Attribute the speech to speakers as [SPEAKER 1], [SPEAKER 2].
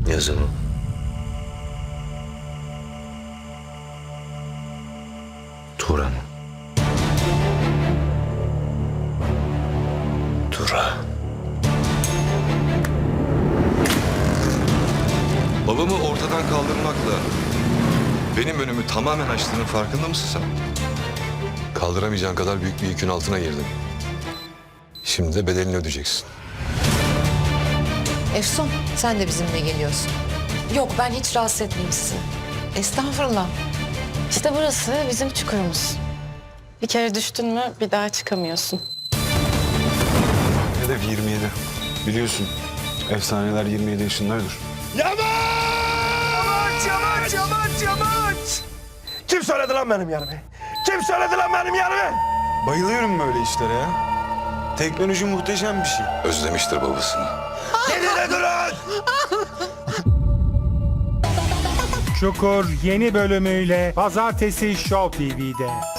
[SPEAKER 1] Yazımı. Turan. Tura.
[SPEAKER 2] Babamı ortadan kaldırmakla benim önümü tamamen açtığının farkında mısın sen? Kaldıramayacağın kadar büyük bir yükün altına girdin. Şimdi de bedelini ödeyeceksin.
[SPEAKER 3] Efsun, sen de bizimle geliyorsun.
[SPEAKER 4] Yok, ben hiç rahatsız etmeyeyim sizi.
[SPEAKER 3] Estağfurullah.
[SPEAKER 4] İşte burası bizim çukurumuz. Bir kere düştün mü bir daha çıkamıyorsun.
[SPEAKER 5] Hedef 27. Biliyorsun efsaneler 27 yaşında ölür.
[SPEAKER 6] Yamaç! Kim söyledi lan benim yerimi? Kim söyledi lan benim yerimi?
[SPEAKER 5] Bayılıyorum böyle işlere ya. Teknoloji muhteşem bir şey.
[SPEAKER 2] Özlemiştir babasını.
[SPEAKER 6] Gidin durun!
[SPEAKER 7] Çukur yeni bölümüyle Pazartesi Show TV'de.